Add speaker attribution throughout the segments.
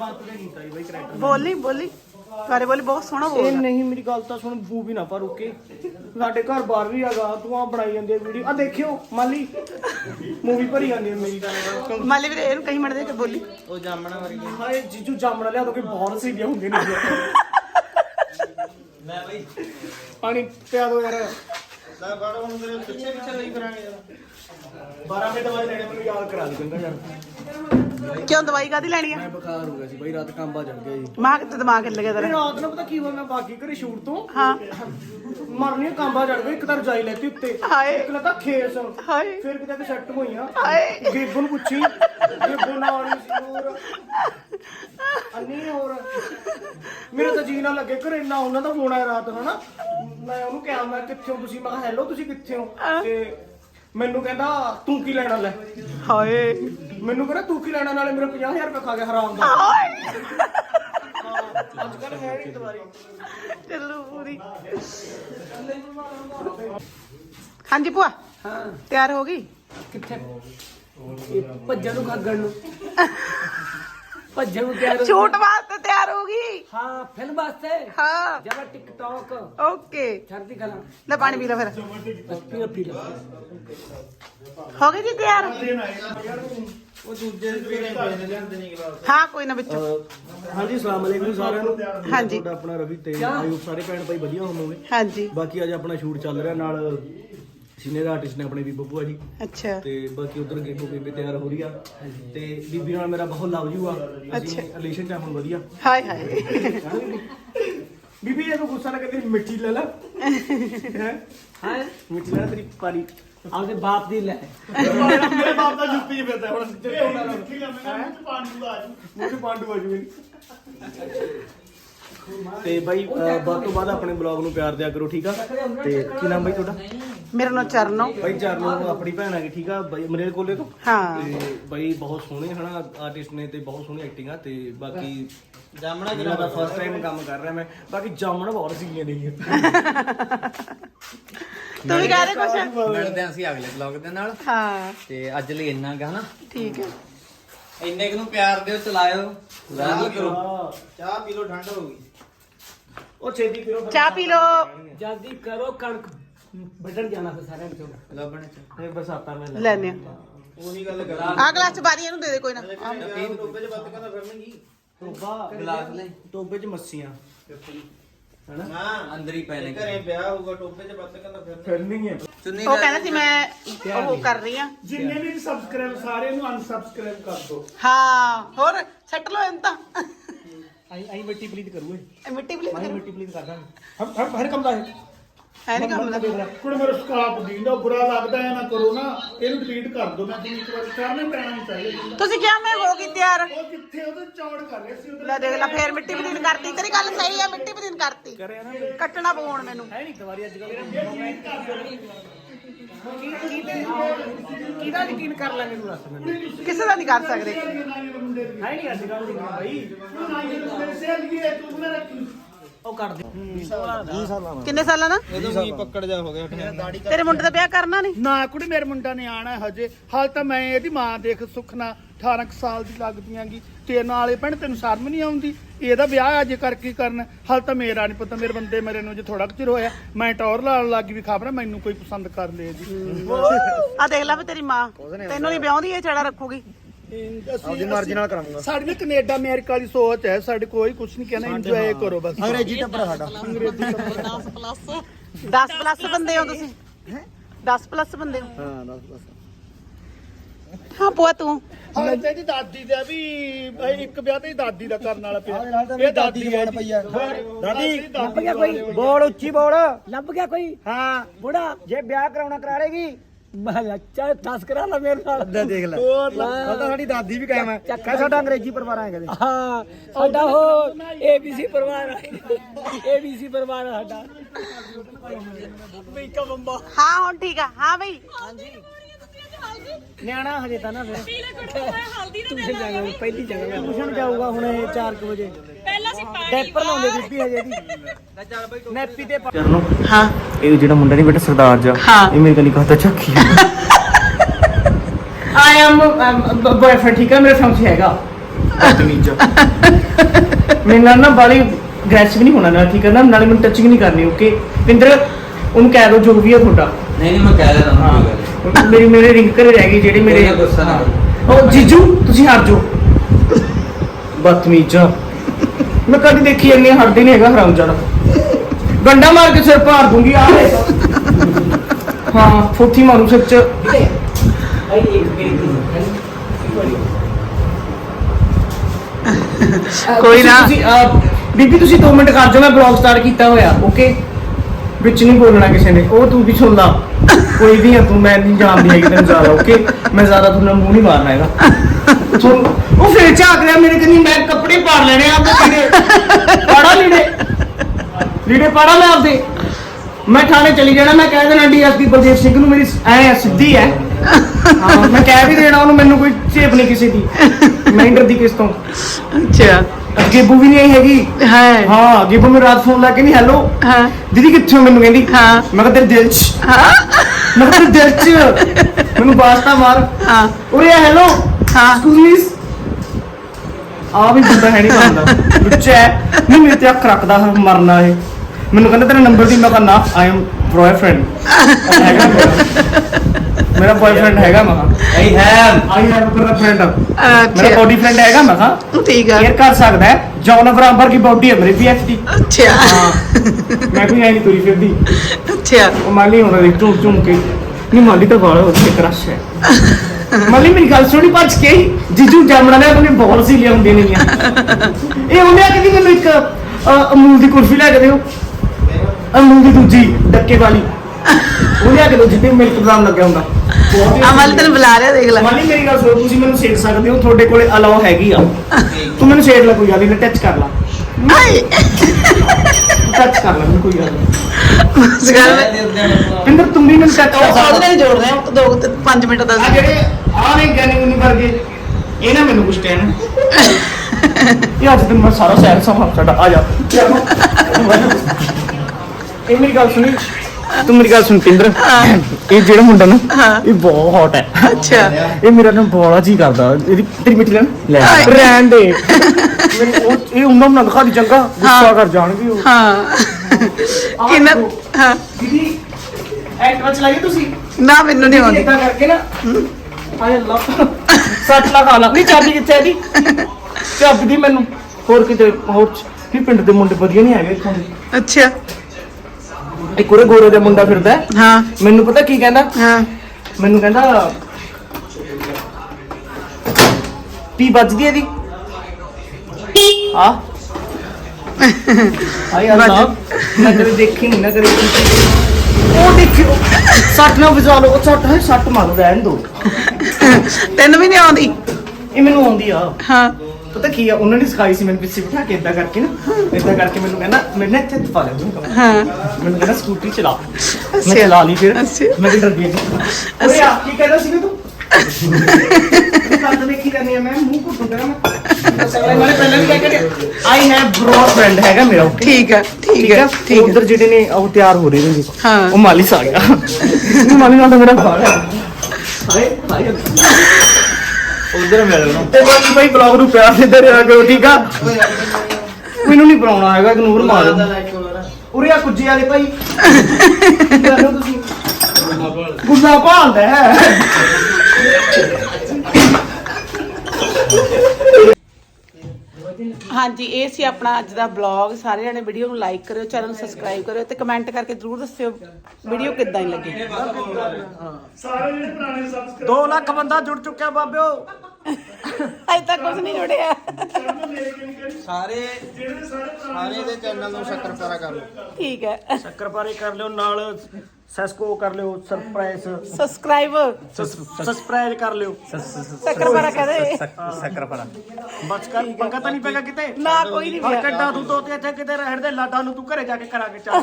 Speaker 1: ਬਾਤ ਤੇ ਨਹੀਂ ਤਾਈ ਬਾਈ ਕਰੈਕਟਰ
Speaker 2: ਬੋਲੀ ਬੋਲੀ ਸਾਰੇ ਬੋਲੀ ਬਹੁਤ ਸੋਹਣਾ ਬੋਲਦਾ।
Speaker 1: ਇਹ ਨਹੀਂ ਮੇਰੀ ਗੱਲ ਤਾਂ ਸੁਣ ਬੂ ਵੀ ਨਾ ਪਾ ਰੁਕੇ ਸਾਡੇ ਘਰ ਬਾਹਰ ਵੀ ਹੈਗਾ ਤੂੰ ਆ ਬਣਾਈ ਜਾਂਦੀ ਆ ਵੀਡੀਓ ਆ ਦੇਖਿਓ ਮਾਲੀ ਮੂਵੀ ਭਰੀ ਜਾਂਦੀ ਹੈ ਮੇਰੀ ਤਾਂ
Speaker 2: ਮਾਲੀ ਵੀਰੇ ਇਹਨੂੰ ਕਹੀਂ ਮੜ ਦੇ ਕੇ ਬੋਲੀ
Speaker 1: ਉਹ ਜਾਮਣਾ ਵਰਗੀ ਹਾਏ ਜੀਜੂ ਜਾਮਣਾ ਲਿਆ ਦੋ ਕਿ ਬਹੁਤ ਸੀਗੀਆਂ ਹੁੰਦੀਆਂ ਨੇ ਮੈਂ ਬਈ ਪਾਣੀ ਪਿਆ ਦੋ ਯਾਰ ਲੈ ਫੜ ਹੁਣ ਤੇਰੇ ਪਿੱਛੇ ਪਿੱਛੇ ਲਈ ਕਰਾਂਗੇ ਯਾਰ 12 ਮਿੰਟ ਬਾਅਦ ਲੈਣੇ ਮੈਨੂੰ ਯਾਦ ਕਰਾ ਦੇ ਕਹਿੰਦਾ ਯਾਰ
Speaker 2: ਕਿਉਂ ਦਵਾਈ ਕਾਦੀ ਲੈਣੀ ਆ?
Speaker 1: ਮੈਂ ਬੁਖਾਰ ਹੋ ਗਿਆ ਸੀ ਬਈ ਰਾਤ ਕੰਬਾ ਚੜ ਗਿਆ ਜੀ
Speaker 2: ਮਾਂ ਕਿਤੇ ਦਿਮਾਗ ਹਿੱਲ ਗਿਆ ਤੇਰਾ।
Speaker 1: ਰਾਤ ਨੂੰ ਪਤਾ ਕੀ ਹੋਇਆ ਮੈਂ ਬਾਕੀ ਘਰੇ ਸ਼ੂਟ ਤੋਂ
Speaker 2: ਹਾਂ
Speaker 1: ਮਰਨੀ ਕੰਬਾ ਚੜ ਗਿਆ ਇੱਕ ਤਾਂ ਰਜਾਈ ਲੈਤੀ ਉੱਤੇ
Speaker 2: ਹਾਏ
Speaker 1: ਇੱਕ ਲੱਗਾ ਖੇਸ
Speaker 2: ਹਾਏ
Speaker 1: ਫਿਰ ਕਿਤੇ ਸੈੱਟ ਹੋਈਆਂ
Speaker 2: ਹਾਏ
Speaker 1: ਬੇਬੂ ਨੂੰ ਪੁੱਛੀ ਬੇਬੂ ਨਾਲ ਆਣੀ ਸੀ ਹੋਰ ਅੰਨੀ ਹੋਰ ਮੇਰੇ ਤਾਂ ਜੀ ਨਾ ਲੱਗੇ ਘਰੇ ਨਾ ਉਹਨਾਂ ਦਾ ਫੋਨ ਆਇਆ ਰਾਤ ਹਨਾ ਮੈਂ ਉਹਨੂੰ ਕਿਹਾ ਮੈਂ ਕਿੱਥੇ ਹੋ ਤੁਸੀਂ ਮੈਂ ਕਿਹਾ ਹੈਲੋ ਤੁਸੀਂ ਕਿੱਥੇ ਹੋ ਤੇ ਮੈਨੂੰ ਕਹਿੰਦਾ ਤੂੰ ਕੀ ਲੈਣਾ ਲੈ
Speaker 2: ਹਾਏ
Speaker 1: ਮੈਨੂੰ ਕਹਿੰਦਾ ਤੂੰ ਕੀ ਲੈਣਾ ਨਾਲੇ ਮੇਰਾ 50000 ਰੁਪਏ ਖਾ ਗਿਆ ਹਰਾਮ ਦਾ ਅੱਜ ਕੱਲ ਹੈ ਨਹੀਂ ਦੁਬਾਰੇ
Speaker 2: ਚੱਲੋ ਪੂਰੀ। ਹਾਂਜੀ ਭੂਆ
Speaker 3: ਹਾਂ
Speaker 2: ਤਿਆਰ ਹੋ ਗਈ?
Speaker 3: ਕਿੱਥੇ ਭੱਜਣ ਨੂੰ ਖਾਗਣ ਨੂੰ ਭੱਜਣ ਨੂੰ ਤਿਆਰ
Speaker 2: ਸ਼ੂਟ ਵਾਸਤੇ ਤਿਆਰ ਹੋ ਗਈ?
Speaker 3: ਹਾਂ ਫਿਲਮ ਵਾਸਤੇ
Speaker 2: ਹਾਂ
Speaker 3: ਜਰਾ ਟਿਕਟੌਕ
Speaker 2: ਓਕੇ
Speaker 3: ਛੱਡਦੀ ਖਲਾ
Speaker 2: ਲੈ ਪਾਣੀ ਪੀ ਲੈ ਫਿਰ।
Speaker 3: ਪੀ ਲੈ
Speaker 2: ਹੋ ਗਈ ਜੀ ਤਿਆਰ?
Speaker 1: ਉਹ ਦੂਜੇ ਵੀ ਲਿਆਂਦੇ ਨਹੀਂ ਗਲਾਸ
Speaker 2: ਹਾਂ ਕੋਈ ਨਾ ਵਿੱਚੋਂ।
Speaker 1: ਹਾਂਜੀ ਅਸਲਾਮ ਅਲੈਕੁਮ ਸਾਰਿਆਂ ਨੂੰ
Speaker 2: ਹਾਂਜੀ।
Speaker 1: ਤੁਹਾਡਾ ਆਪਣਾ ਰਵੀ ਤੇ ਆਯੂਬ ਸਾਰੇ ਭੈਣ ਭਾਈ ਵਧੀਆ ਹੋਵੋਗੇ।
Speaker 2: ਹਾਂਜੀ
Speaker 1: ਬਾਕੀ ਅੱਜ ਆਪਣਾ ਸ਼ੂਟ ਚੱਲ ਰਿਹਾ ਨਾਲ ਸੀਨੀਅਰ ਆਰਟਿਸਟ ਨੇ ਆਪਣੇ ਵੀ ਬੱਬੂ ਆ ਜੀ
Speaker 2: ਅੱਛਾ
Speaker 1: ਤੇ ਬਾਕੀ ਉਧਰ ਗੇਮੋ ਬੇਬੇ ਤਿਆਰ ਹੋ ਰਹੀ ਆ ਤੇ ਬੀਬੀ ਨਾਲ ਮੇਰਾ ਬਹੁਤ ਲਵ ਯੂ ਆ ਅਸੀਂ ਰਿਲੇਸ਼ਨ ਚ ਹੁਣ ਵਧੀਆ।
Speaker 2: ਹਾਏ ਹਾਏ
Speaker 1: ਬੀਬੀ ਇਹਨੂੰ ਗੁੱਸਾ ਨਾ ਕਰਦੀ ਮਿੱਠੀ ਲੈ ਲੈ
Speaker 3: ਹਾਂ
Speaker 1: ਮਿੱਠੀ ਲੈ ਤੇਰੀ ਪਾਰੀ
Speaker 3: ਆਪਦੇ ਬਾਪ ਦੀ ਲੈ
Speaker 1: ਮੇਰੇ ਬਾਪ ਦਾ ਯੂਪੀ ਚ ਫਿਰਦਾ ਹੁਣ ਮਿੱਠੀ ਲੈ ਮੈਂ ਮੂੰਹ ਚ ਪਾਂਡੂ ਆ ਜੂ ਤੇ ਬਾਈ ਵੱਧ ਤੋਂ ਵੱਧ ਆਪਣੇ ਬਲੌਗ ਨੂੰ ਪਿਆਰ ਦਿਆ ਕਰੋ ਠੀਕ ਆ ਤੇ ਕੀ ਨਾਮ ਬਾਈ ਤੁਹਾਡਾ?
Speaker 2: ਮੇਰਾ ਨਾਮ ਚਰਨੋ।
Speaker 1: ਬਾਈ ਚਰਨੋ ਆਪਣੀ ਭੈਣ ਆ ਗਈ ਠੀਕ ਆ ਬਾਈ ਮਰੇਲ ਕੋਲੇ ਤੋਂ
Speaker 2: ਹਾਂ
Speaker 1: ਤੇ ਬਾਈ ਬਹੁਤ ਸੋਹਣੇ ਹਨਾ ਆਰਟਿਸਟ ਨੇ ਤੇ ਬਹੁਤ ਸੋਹਣੀ ਐਕਟਿੰਗ ਆ ਤੇ ਬਾਕੀ ਜਾਮਣਾ ਜਿਹੜਾ ਦਾ ਫਸਟ ਟਾਈਮ ਕੰਮ ਕਰ ਰਿਹਾ ਮੈਂ ਬਾਕੀ ਜਾਮਣਾ ਬਹੁਤ ਸੀਗੀਆਂ ਨਹੀਂ
Speaker 2: ਤੂੰ ਵੀ ਕਹਿ ਦੇ ਕੁਛ?
Speaker 4: ਮਿਲਦੇ ਆਂ ਅਸੀਂ ਅਗਲੇ ਵਲੌਗ ਦੇ ਨਾਲ
Speaker 2: ਹਾਂ
Speaker 4: ਤੇ ਅੱਜ ਲਈ ਇੰਨਾ ਗਾ ਹਨਾ
Speaker 2: ਠੀਕ ਹੈ।
Speaker 4: ਇੰਨੇ ਕੁ ਨੂੰ ਪਿਆਰ ਦਿਓ ਚਲਾਇਓ ਲਾਈਕ ਕਰੋ ਚਾਹ ਪੀ ਲਓ ਠੰਡ ਹੋ ਗਈ
Speaker 1: ਉਹ ਛੇਤੀ ਕਰੋ
Speaker 2: ਚਾਹ ਪੀ ਲੋ।
Speaker 3: ਜਲਦੀ ਕਰੋ ਕਣਕ ਵੱਢਣ ਜਾਣਾ ਫਿਰ ਸਾਰਿਆਂ ਨੂੰ
Speaker 4: ਲੱਭਣੇ ਚ
Speaker 1: ਇਹ ਬਰਸਾਤਾਂ ਮੈਂ
Speaker 2: ਲੈਨੇ
Speaker 4: ਉਹੀ ਗੱਲ ਕਰ
Speaker 2: ਆ ਗਲਾਸ ਚ ਬਾਰੀ ਇਹਨੂੰ ਦੇ ਦੇ ਕੋਈ ਨਾ।
Speaker 4: ਟੋਬੇ ਚ ਬੱਤ ਕਹਿੰਦਾ ਫਿਰਨਗੀ
Speaker 1: ਟੋਬਾ
Speaker 4: ਗਲਾਸ ਲੈ
Speaker 1: ਟੋਬੇ ਚ ਮੱਛੀਆਂ ਹਨਾ
Speaker 4: ਹਾਂ ਅੰਦਰ ਹੀ ਪੈ ਨੇ ਘਰੇ ਵਿਆਹ ਹੋਊਗਾ ਟੋਬੇ ਚ ਬੱਤ ਕਹਿੰਦਾ
Speaker 1: ਫਿਰਨੀ ਹੈ
Speaker 4: ਚੁੰਨੀ
Speaker 2: ਉਹ ਕਹਿੰਦਾ ਸੀ ਮੈਂ ਉਹ ਕਰ ਰਹੀ ਆ।
Speaker 1: ਜਿੰਨੇ ਵੀ ਸਬਸਕ੍ਰਾਈਬ ਸਾਰਿਆਂ ਨੂੰ ਅਨਸਬਸਕ੍ਰਾਈਬ ਕਰ ਦੋ
Speaker 2: ਹਾਂ ਹੋਰ ਛੱਟ ਲੋ ਇਹਨੂੰ ਤਾਂ
Speaker 1: ਆਈ ਮਿੱਟੀ ਪਲੀਤ ਕਰੂਏ
Speaker 2: ਇਹ ਮਿੱਟੀ ਪਲੀਤ
Speaker 1: ਆਈ ਮਿੱਟੀ ਪਲੀਤ ਕਰਦਾ ਹਰ ਕੰਮ ਦਾ ਹੈ
Speaker 2: ਹੈ ਨਹੀਂ ਕੰਮ ਦਾ।
Speaker 5: ਕੁੜੇ ਮੇਰੇ ਸਕਾਪ ਦੀਂਦਾ ਬੁਰਾ ਲੱਗਦਾ ਹੈ ਨਾ ਕਰੋ ਨਾ ਇਹਨੂੰ ਡਿਲੀਟ ਕਰ ਦੋ ਮੈਂ ਤੁਹਾਨੂੰ ਇੱਕ ਵਾਰ ਕਰਨੇ ਪੈਣਾ ਨਹੀਂ ਚਾਹੀਦਾ
Speaker 2: ਤੁਸੀਂ ਕਿਹਾ ਮੈਂ ਹੋ ਗਈ ਤਿਆਰ?
Speaker 5: ਉਹ ਕਿੱਥੇ ਉਹਦੇ ਚੌੜ ਕਰ ਰਹੇ ਸੀ ਉਹਦੇ
Speaker 2: ਲੈ ਦੇਖ ਲੈ ਫੇਰ ਮਿੱਟੀ ਪਲੀਤ ਕਰਤੀ। ਤੇਰੀ ਗੱਲ ਸਹੀ ਆ ਮਿੱਟੀ ਪਲੀਤ ਕਰਤੀ। ਕੱਟਣਾ ਪਊ ਹੁਣ ਮੈਨੂੰ।
Speaker 1: ਹੈ ਨਹੀਂ ਦਵਾਰੀ ਅੱਜ ਕੱਲ ਕਿਹਦਾ ਯਕੀਨ ਕਰ ਲਾਂਗੇ ਤੂੰ ਦੱਸ ਮੈਨੂੰ
Speaker 2: ਕਿਸੇ ਦਾ ਨਹੀਂ ਕਰ ਸਕਦੇ।
Speaker 1: ਹੈ ਨਹੀਂ ਅੱਜ ਕੱਲ ਦੀ ਭਾਈ
Speaker 5: ਤੂੰ ਨਾ ਰੱਖੀ
Speaker 1: ਉਹ ਕਰ ਦੇ
Speaker 2: ਕਿੰਨੇ ਸਾਲਾਂ ਦਾ?
Speaker 4: ਇਹਦੋਂ ਵੀ ਪੱਕੜ ਜਾ ਹੋ ਗਿਆ
Speaker 2: ਤੇਰੇ ਮੁੰਡੇ ਦਾ ਵਿਆਹ ਕਰਨਾ ਨਹੀਂ?
Speaker 5: ਨਾ ਕੁੜੀ ਮੇਰੇ ਮੁੰਡਾ ਨੇ ਆਣਾ ਹਜੇ ਹਾਲ ਤਾਂ ਮੈਂ ਇਹਦੀ ਮਾਂ ਦੇਖ ਸੁਖਨਾ 18 ਕੁ ਸਾਲ ਦੀ ਲੱਗਦੀ ਆਂਗੀ ਤੇ ਨਾਲੇ ਭੈਣ ਤੈਨੂੰ ਸ਼ਰਮ ਨਹੀਂ ਆਉਂਦੀ ਇਹਦਾ ਵਿਆਹ ਅੱਜ ਕਰਕੇ ਕਰਨ ਹਾਲ ਤਾਂ ਮੇਰਾ ਨਹੀਂ ਪਤਾ ਮੇਰੇ ਬੰਦੇ ਮੇਰੇ ਨੂੰ ਜੇ ਥੋੜਾ ਕੁ ਚਿਰ ਹੋਇਆ ਮੈਂ ਟੌਰ ਲਾਉਣ ਲੱਗੀ ਵੀ ਖਬਰ ਮੈਨੂੰ ਕੋਈ ਪਸੰਦ ਕਰ ਲੇ ਜੀ
Speaker 2: ਆ ਦੇਖ ਲੈ ਵੀ ਤੇਰੀ ਮਾਂ ਤੈਨੂੰ ਨਹੀਂ ਵਿਆਹੁੰਦੀ ਇਹ ਛੜਾ ਰੱਖੂਗੀ।
Speaker 1: ਆਪਦੀ ਮਰਜ਼ੀ ਨਾਲ ਕਰਾਂਗਾ
Speaker 5: ਸਾਡੀ ਨਾ ਕੈਨੇਡਾ ਅਮਰੀਕਾ ਵਾਲੀ ਸੋਚ ਹੈ ਸਾਡੇ ਕੋਈ ਕੁਝ ਨਹੀਂ ਕਹਿਣਾ ਇੰਜੋਏ ਕਰੋ ਬਸ
Speaker 1: ਅੰਗਰੇਜ਼ੀ ਟੱਪਰਾ ਸਾਡਾ
Speaker 2: 10 ਪਲੱਸ ਬੰਦੇ ਹੋ ਤੁਸੀਂ? 10 ਪਲੱਸ ਬੰਦੇ ਹੋ?
Speaker 1: ਹਾਂ 10
Speaker 2: ਹਾਂ ਪੁਆ ਤੂੰ
Speaker 5: ਹਾਂ ਤੇ ਦਾਦੀ ਦਾ ਵੀ ਇੱਕ ਵਿਆਹ ਤੇ ਦਾਦੀ ਦਾ ਕਰਨ ਵਾਲਾ ਪਿਆ ਇਹ ਦਾਦੀ ਹੈ
Speaker 1: ਪਈ ਆ ਦਾਦੀ
Speaker 5: ਲੱਭ ਗਿਆ ਕੋਈ
Speaker 1: ਬੋਲ ਉੱਚੀ ਬੋਲ
Speaker 3: ਲੱਭ ਗਿਆ ਕੋਈ
Speaker 1: ਹਾਂ
Speaker 3: ਬੁੜਾ
Speaker 1: ਜੇ ਵਿਆਹ ਕਰਾਉਣਾ ਕਰਾ ਲੇਗੀ
Speaker 3: ਮੈਂ ਲੱਚਾ 10 ਕਰਾ ਲਾ ਮੇਰੇ ਨਾਲ
Speaker 1: ਦੇਖ ਲੈ ਉਹ ਤਾਂ ਸਾਡੀ ਦਾਦੀ ਵੀ ਕਾਇਮ ਹੈ ਕਹ ਸਾਡਾ ਅੰਗਰੇਜ਼ੀ ਪਰਿਵਾਰ ਹੈ ਕਦੇ
Speaker 3: ਹਾਂ ਸਾਡਾ ਉਹ ABC ਪਰਿਵਾਰ ਆ ABC ਪਰਿਵਾਰ ਆ ਸਾਡਾ ਬੀਕਾ ਬੰਬਾ।
Speaker 2: ਹਾਂ ਹੁਣ ਠੀਕ ਆ। ਹਾਂ ਬਈ
Speaker 1: ਨਿਆਣਾ ਹਜੇ ਤਾਂ ਨਾ ਫਿਰ
Speaker 3: ਟਿਊਸ਼ਨ ਜਾਗਾ ਪਹਿਲੀ ਜਗ੍ਹਾ ਮੈਂ
Speaker 1: ਟਿਊਸ਼ਨ ਜਾਊਗਾ ਹੁਣ 4 ਵਜੇ
Speaker 6: ਪਹਿਲਾਂ ਸੀ
Speaker 1: ਡੈਪਰ ਲਾਉਂਦੇ ਬੀਬੀ ਹਜੇ ਦੀ ਨੈਪੀ ਤੇ ਚਰਨੋ
Speaker 2: ਹਾਂ
Speaker 1: ਇਹ ਜਿਹੜਾ ਮੁੰਡਾ ਨਹੀਂ ਬੇਟਾ ਸਰਦਾਰ ਜਾ
Speaker 2: ਹਾਂ।
Speaker 1: ਇਹ ਮੇਰੇ ਕੋਲ ਕਹਤਾ ਚੱਕੀ ਆਈ ਐਮ ਬॉयਫ੍ਰੈਂਡ ਠੀਕ ਹੈ ਮੇਰੇ ਸਾਹਮਣੇ ਹੈਗਾ ਬਦਤਮੀਜ਼ ਮੇਰੇ ਨਾਲ ਨਾ ਬਾਲੀ ਗੈਸ ਵੀ ਨਹੀਂ ਹੋਣਾ ਨਾ, ਠੀਕ ਹੈ ਨਾ, ਨਾਲੇ ਮੈਨੂੰ ਟੱਚਿੰਗ ਨਹੀਂ ਕਰਨੀ। ਓਕੇ ਪਿੰਦਰ ਉਹਨੂੰ ਕਹਿ ਦੋ ਜੋ ਵੀ ਹੈ ਤੁਹਾਡਾ।
Speaker 4: ਨਹੀਂ ਮੈਂ ਕਹਿ ਰਿਹਾ
Speaker 1: ਹਾਂ
Speaker 4: ਹਾਂ
Speaker 1: ਮੇਰੇ ਰਿੰਗ ਘਰੇ ਰਹਿ ਗਈ ਜਿਹੜੇ ਮੇਰੇ।
Speaker 4: ਗੁੱਸਾ ਨਾ
Speaker 1: ਉਹ ਜੀਜੂ ਤੁਸੀਂ ਹਟ ਜਾਓ ਬਦਤਮੀਜ਼। ਮੈਂ ਕਦੀ ਦੇਖੀ ਇੰਨੀ ਹਟਦੀ ਨਹੀਂ ਹੈਗਾ ਹਰਾਮਜ਼ਾਦਾ। ਗੰਡਾ ਮਾਰ ਕੇ ਸਿਰ ਭਾਰ ਦੂੰਗੀ ਆ ਹਾਂ ਫੋਥੀ ਮਾਰੂ ਸਿਰ ਚ।
Speaker 2: ਕੋਈ ਨਾ।
Speaker 1: ਬੀਬੀ ਤੁਸੀਂ 2 ਮਿੰਟ ਕਰ ਜਾਓ, ਮੈਂ ਬਲੌਗ ਸਟਾਰਟ ਕੀਤਾ ਹੋਇਆ। ਓਕੇ ਵਿੱਚ ਨਹੀਂ ਬੋਲਣਾ ਕਿਸੇ ਨੇ, ਉਹ ਤੂੰ ਵੀ ਸੁਣ ਲਾ। ਕੋਈ ਵੀ ਆ ਤੂੰ, ਮੈਂ ਨਹੀਂ ਜਾਣਦੀ ਹੈਗੀ ਤੈਨੂੰ ਜ਼ਿਆਦਾ। ਓਕੇ ਮੈਂ ਜ਼ਿਆਦਾ ਤੁਹਾਨੂੰ ਮੂੰਹ ਨਹੀਂ ਮਾਰਨਾ ਹੈਗਾ। ਉਹ ਫੇਰ ਝਾਕ ਰਿਹਾ ਮੇਰੇ ਕੰਨੀ, ਮੈਂ ਕੱਪੜੇ ਪਾੜ ਲੈਣੇ ਆਪਦੇ। ਲੀੜੇ ਪਾੜਾ, ਲੀੜੇ ਪਾੜਾ ਮੈਂ ਆਪਦੇ। ਮੈਂ ਥਾਣੇ ਚਲੀ ਜਾਣਾ, ਮੈਂ ਕਹਿ ਦੇਣਾ ਡੀਐਸਪੀ ਬਲਦੇਵ ਸਿੰਘ ਨੂੰ ਮੇਰੀ ਐ ਸਿੱਧੀ ਹੈ। ਹਾਂ ਮੈਂ ਕਹਿ ਵੀ ਦੇਣਾ ਉਹਨੂੰ, ਮੈਨੂੰ ਕੋਈ ਝੇਪ ਨਹੀਂ ਕਿਸੇ ਦੀ, ਮੈਂ ਨਹੀਂ ਡਰਦੀ ਕਿਸ ਤੋਂ।
Speaker 2: ਅੱਛਾ
Speaker 1: ਗੇਬੂ ਵੀ ਨਹੀਂ ਆਈ ਹੈਗੀ।
Speaker 2: ਹੈ
Speaker 1: ਹਾਂ ਗੇਬੂ ਮੈਨੂੰ ਰਾਤ ਫੋਨ ਲਾ ਕੇ ਨਹੀਂ ਹੈਲੋ
Speaker 2: ਹਾਂ
Speaker 1: ਦੀਦੀ ਕਿੱਥੇ ਹੋ, ਮੈਨੂੰ ਕਹਿੰਦੀ
Speaker 2: ਹਾਂ
Speaker 1: ਮੈਂ ਕਿਹਾ ਤੇਰੇ ਦਿਲ 'ਚ। ਮੈਂ ਕਿਹਾ ਤੇਰੇ ਦਿਲ 'ਚ ਮੈਨੂੰ ਵਾਸਤਾ ਮਾਰ।
Speaker 2: ਹਾਂ
Speaker 1: ਉਰੇ ਆ ਹੈਲੋ
Speaker 2: ਹਾਂ
Speaker 1: ਐਕਸਕਿਊਜ਼ ਆ ਵੀ ਬੰਦਾ ਹੈ ਨਹੀਂ ਬੰਦਾ ਲੁੱਚਾ ਹੈ। ਨਹੀਂ ਮੇਰੇ ਤੇ ਅੱਖ ਰੱਖਦਾ ਮਰਨਾ ਇਹ। ਮੈਨੂੰ ਕਹਿੰਦਾ ਤੇਰਾ ਨੰਬਰ ਦੀ, ਮੈਂ ਕਿਹਾ ਨਾ ਆਈ ਐਮ ਬॉयਫ੍ਰੈਂਡ ਹੈਗਾ ਮੇਰਾ ਬॉयਫ੍ਰੈਂਡ ਹੈਗਾ। ਮੈਂ ਕਿਹਾ
Speaker 4: I have
Speaker 1: I have boyfriend, ਮੇਰਾ
Speaker 2: ਅੱਛਾ
Speaker 1: ਬॉडी ਫ੍ਰੈਂਡ ਹੈਗਾ। ਮੈਂ ਕਿਹਾ
Speaker 2: ਠੀਕ ਹੈ
Speaker 1: ਕੇਅਰ ਕਰ ਸਕਦਾ ਹੈ। ਜੌਨ ਅਬਰਾਮਬਰ ਦੀ ਬॉडी ਹੈ ਮੇਰੀ ਪੀਐਚ ਦੀ।
Speaker 2: ਅੱਛਾ
Speaker 1: ਹਾਂ ਮੈਂ ਕੋਈ ਐ ਨਹੀਂ ਤੁਰੀ ਫਿਰਦੀ।
Speaker 2: ਅੱਛਾ
Speaker 1: ਉਹ ਮਾਲੀ ਹੋਣਾ ਦੇਖ ਝੂਮ ਝੂਮ ਕੇ। ਨਹੀਂ ਮਾਲੀ ਤਾਂ ਬਾਲਾ ਉਹਦੀ ਕਰਸ਼ ਹੈ। ਮਾਲੀ ਮੇਰੀ ਗੱਲ ਸੁਣੀ ਭੱਜ ਕੇ ਜੀਜੂ ਜਾਮਣਾ ਨੇ ਆਪਣੇ ਬੋਲ ਸੀ ਲਿਆਉਂਦੇ ਨਹੀਂ ਆ। ਇਹ ਉਹਨੇ ਆ ਕਿ ਮੈਨੂੰ ਇੱਕ ਅਮੂਲ ਦੀ ਕੁਲਫੀ ਲੈ ਕੇ ਦਿਓ, ਅਮੂਲ ਦੀ ਦੂਜੀ ਡੱਕੇ ਵਾਲੀ। ਉਹ ਲਿਆ ਕੇ ਦਿਓ ਜਿੱਤੇ ਮਿਲਕ ਬਦਾਮ ਲੱਗਿਆ ਹੁੰਦਾ।
Speaker 2: ਅਮਲ ਤੈਨੂੰ ਬੁਲਾ ਰਿਹਾ, ਦੇਖ ਲੈ।
Speaker 1: ਮਾਲੀ ਮੇਰੀ ਗੱਲ ਸੁਣੋ, ਤੁਸੀਂ ਮੈਨੂੰ ਛੇੜ ਸਕਦੇ ਹੋ, ਤੁਹਾਡੇ ਕੋਲੇ ਅਲਾਓ ਹੈਗੀ ਆ। ਤੂੰ ਮੈਨੂੰ ਛੇੜ ਲੈ, ਕੋਈ ਗੱਲ ਨਹੀਂ, ਟੱਚ ਕਰ ਲਾ,
Speaker 2: ਆਏ
Speaker 1: ਟੱਚ ਕਰ ਲੈ ਮੈਨੂੰ, ਕੋਈ ਗੱਲ ਨਹੀਂ।
Speaker 2: ਬਸ ਕਰ ਲੈ।
Speaker 1: ਪਿੰਦਰ ਤੂੰ ਵੀ ਮੈਨੂੰ ਟੱਚ ਕਰ ਸਕਦਾ।
Speaker 2: ਉਹਦੇ ਨਾਲ ਜੋੜ ਰਹੇ 2-5 ਮਿੰਟ ਦਾ।
Speaker 1: ਆ ਜਿਹੜੇ ਆ ਨੇ ਗਿਆਨੀ ਗੁਨੀ ਵਰਗੇ, ਇਹ ਨਾ ਮੈਨੂੰ ਕੁਛ ਕਹਿਣ। ਇਹ ਅੱਜ ਦਿਨ ਮੈਂ ਸਾਰਾ ਸੈਰ ਸਮਾਂ ਸਾਡਾ ਆ ਜਾ। ਇਹ ਮੇਰੀ ਗੱਲ ਸੁਣੀ, ਤੂੰ ਮੇਰੀ ਗੱਲ ਸੁਣ ਪਿੰਦਰ। ਇਹ ਜਿਹੜਾ ਮੁੰਡਾ ਨਾ ਇਹ ਬਹੁਤ ਹੌਟ ਹੈ।
Speaker 2: ਅੱਛਾ
Speaker 1: ਇਹ ਮੇਰਾ ਨਾ ਬੋਲਾ ਜੀ ਕਰਦਾ। ਇਹਦੀ ਤੇਰੀ ਮਿੱਟੀ ਲੈਣ ਲੈ ਰਹਿਣ ਦੇ ਮੈਨੂੰ। ਉਹ ਇਹ ਉਹਨਾਂ ਨੂੰ ਦਿਖਾ ਦੀ ਚੰਗਾ, ਗੁੱਸਾ ਕਰ ਜਾਣਗੇ ਉਹ।
Speaker 2: ਹਾਂ ਕਿੰਨਾ ਹਾਂ
Speaker 1: ਦੀਦੀ ਐਕਟਿਵਾ ਚਲਾਈਏ ਤੁਸੀਂ?
Speaker 2: ਨਾ ਮੈਨੂੰ ਨਹੀਂ ਆਉਂਦੀ।
Speaker 1: ਇਦਾਂ ਕਰਕੇ ਨਾ ਹਾਏ ਅੱਲਾ ਸੱਟ ਲਗਾ ਲਾ। ਨਹੀਂ ਚਾਬੀ ਕਿੱਥੇ ਹੈ ਦੀ? ਚਾਬੀ ਦੀ ਮੈਨੂੰ ਹੋਰ ਕਿਤੇ ਹੋਰ ਕੀ ਪਿੰਡ ਦੇ ਮੁੰਡੇ ਵਧੀਆ ਨਹੀਂ ਹੈਗੇ ਇੱਥੋਂ ਦੇ।
Speaker 2: ਅੱਛਾ
Speaker 1: ਇੱਕ ਉਰੇ ਗੋਰੇ ਦਾ ਮੁੰਡਾ ਫਿਰਦਾ ਹੈ।
Speaker 2: ਹਾਂ
Speaker 1: ਮੈਨੂੰ ਪਤਾ ਕੀ ਕਹਿੰਦਾ?
Speaker 2: ਹਾਂ
Speaker 1: ਮੈਨੂੰ ਕਹਿੰਦਾ ਪੀ ਵੱਜਦੀ ਇਹਦੀ ਆ। ਹਾਏ ਅੱਲਾ ਮੈਂ ਕਦੇ ਦੇਖੀ ਨਹੀਂ ਨਾ ਕਦੇ। ਉਹ ਦੇਖਿਓ ਸੱਟ ਨਾ ਵਜਾ ਲਓ। ਉਹ ਸੱਟ ਹੈ, ਸੱਟ ਮਾਰੋ, ਰਹਿਣ ਦੋ।
Speaker 2: ਤੈਨੂੰ ਵੀ ਨਹੀਂ ਆਉਂਦੀ?
Speaker 1: ਇਹ ਮੈਨੂੰ ਆਉਂਦੀ ਆ।
Speaker 2: ਹਾਂ
Speaker 1: ਪਤਾ ਕੀ ਆ, ਉਹਨਾਂ ਨੇ ਸਿਖਾਈ ਸੀ ਮੈਨੂੰ ਪਿੱਛੇ ਬਿਠਾ ਕੇ ਇਦਾਂ ਕਰਕੇ ਨਾ, ਇਦਾਂ ਕਰਕੇ ਮੈਨੂੰ ਕਹਿੰਦਾ ਮੇਰੇ ਨਾਲ ਇੱਥੇ ਤਫਾ ਲਿਆ।
Speaker 2: ਹਾਂ
Speaker 1: ਮੈਨੂੰ ਕਹਿੰਦਾ ਸਕੂਟਰੀ ਚਲਾ। ਮੈਂ
Speaker 2: ਅੱਛਾ।
Speaker 1: ਚਲਾ ਲਈ ਫਿਰ।
Speaker 2: ਅੱਛਾ।
Speaker 1: ਮੈਂ ਕਿਹਾ ਡਰ ਗਈ। ਓਏ ਆ ਕੀ ਕਹਿੰਦਾ ਸੀ ਤੂੰ? ਕੱਦ ਦੇਖੀ ਜਾਂਦੀ ਆ ਮੈਂ, ਮੂੰਹ ਘੁੱਟੂ ਕਰਾਂ ਮੈਂ। ਸਗਲੇ ਵਾਲੇ ਪਹਿਲਾਂ ਵੀ ਕਹਿ ਕੇ ਆਈ ਹੈਵ ਬ੍ਰੋ ਫਰੈਂਡ ਹੈਗਾ ਮੇਰਾ। Okay?
Speaker 2: ਠੀਕ ਹੈ ਠੀਕ ਹੈ ਠੀਕ
Speaker 1: ਉਧਰ ਜਿਹੜੇ ਨੇ ਉਹ ਤਿਆਰ ਹੋ ਰਹੇ ਨੇ।
Speaker 2: ਹਾਂ।
Speaker 1: ਉਹ ਮਾਲਿਸ ਆ ਗਿਆ। ਮਾਲਿਸ ਨਾਲ ਤਾਂ ਮੇਰਾ ਬਾਲ ਹੈ। ਹਾਏ ਹਾਏ
Speaker 4: ਉਧਰ ਮਿਲ ਲਓ।
Speaker 1: ਤੇ ਬਾਕੀ ਭਾਈ ਬਲੌਗ ਨੂੰ ਪਿਆਰ ਦਿੰਦੇ ਰਿਹਾ ਕਰੋ, ਠੀਕ ਆ? ਮੈਨੂੰ ਨਹੀਂ ਬਣਾਉਣਾ ਹੈਗਾ, ਇਗਨੋਰ ਮਾਰੋ। ਉਰੇ ਆ ਕੁੱਜੇ ਵਾਲੇ ਭਾਈ ਕੀ ਕਰ ਰਹੇ ਹੋ ਤੁਸੀਂ? ਗੁੱਸਾ ਭਾਲਦਾ ਹੈ।
Speaker 2: ਹਾਂਜੀ ਇਹ ਸੀ ਆਪਣਾ ਅੱਜ ਦਾ ਬਲੌਗ। ਸਾਰੇ ਜਣੇ ਵੀਡੀਓ ਨੂੰ ਲਾਈਕ ਕਰਿਓ, ਚੈਨਲ ਨੂੰ ਸਬਸਕ੍ਰਾਈਬ ਕਰਿਓ ਤੇ ਕਮੈਂਟ ਕਰਕੇ ਜ਼ਰੂਰ ਦੱਸਿਓ ਵੀਡੀਓ ਕਿੱਦਾਂ ਦੀ ਲੱਗੀ।
Speaker 1: 2 ਲੱਖ ਬੰਦਾ ਜੁੜ ਚੁੱਕਿਆ ਬਾਬਿਓ।
Speaker 2: ਅਜੇ ਤੱਕ ਕੁਝ ਨਹੀਂ ਜੁੜਿਆ।
Speaker 4: ਸਾਰੇ ਦੇ ਚੈਨਲ ਨੂੰ ਸ਼ੱਕਰਪਾਰਾ ਕਰ ਲਓ।
Speaker 2: ਠੀਕ ਹੈ
Speaker 1: ਸ਼ੱਕਰਪਾਰੇ ਕਰ ਲਿਓ, ਨਾਲ ਸੈਸਕੋ ਕਰ ਲਿਓ, ਸਰਪ੍ਰਾਈਜ਼
Speaker 2: ਸਬਸਕ੍ਰਾਈਬ
Speaker 1: ਸਬਸਕ੍ਰਾਈਬ ਕਰ ਲਿਓ।
Speaker 2: ਸ਼ੱਕਰਪਾਰਾ ਕਹਦੇ
Speaker 4: ਸ਼ੱਕਰਪਾਰਾ
Speaker 1: ਬਸ ਕਰ ਪੰਗਾ ਤਾਂ ਨਹੀਂ ਪੈਗਾ ਕਿਤੇ
Speaker 2: ਨਾ ਕੋਈ ਨਹੀਂ ਪਿਆ।
Speaker 1: ਕੱਡਾ ਤੂੰ ਤੋਤੇ ਇੱਥੇ ਕਿਤੇ ਰਹਿਣ ਦੇ ਲਾਡਾ ਨੂੰ, ਤੂੰ ਘਰੇ ਜਾ ਕੇ ਕਰਾਂਗੇ ਚੱਲ।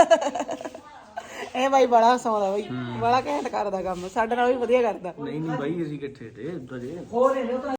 Speaker 2: ਇਹ ਬਾਈ ਬੜਾ ਹਸਾਉਂਦਾ ਬਾਈ, ਬੜਾ ਘੈਂਟ ਕਰਦਾ ਕੰਮ, ਸਾਡੇ ਨਾਲ ਵੀ ਵਧੀਆ ਕਰਦਾ।
Speaker 1: ਨਹੀਂ ਬਾਈ ਅਸੀਂ ਕਿੱਥੇ ਤੇ